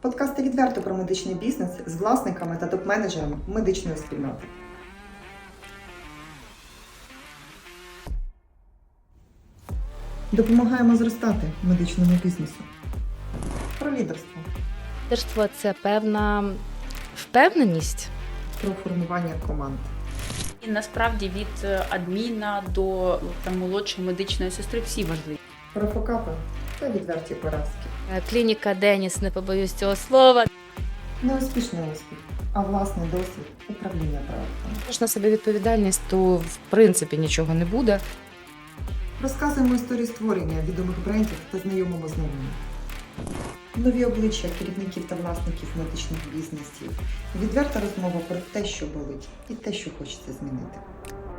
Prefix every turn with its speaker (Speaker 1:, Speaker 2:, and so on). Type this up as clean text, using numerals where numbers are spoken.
Speaker 1: Подкасти відверто про медичний бізнес з власниками та топ-менеджерами медичної спільноти. Допомагаємо зростати медичному бізнесу. Про лідерство.
Speaker 2: Лідерство – це певна впевненість.
Speaker 1: Про формування команд.
Speaker 3: І насправді від адміна до молодшої медичної сестри всі важливі.
Speaker 1: Про фокапи та відверті поразки.
Speaker 2: Клініка Деніс, не побоюсь цього слова.
Speaker 1: Не успішний успіх, а власний досвід управління проектом.
Speaker 4: Якщо на себе відповідальність, то в принципі нічого не буде.
Speaker 1: Розказуємо історії створення відомих брендів та знайомимо з ними. Нові обличчя керівників та власників медичних бізнесів. Відверта розмова про те, що болить, і те, що хочеться змінити.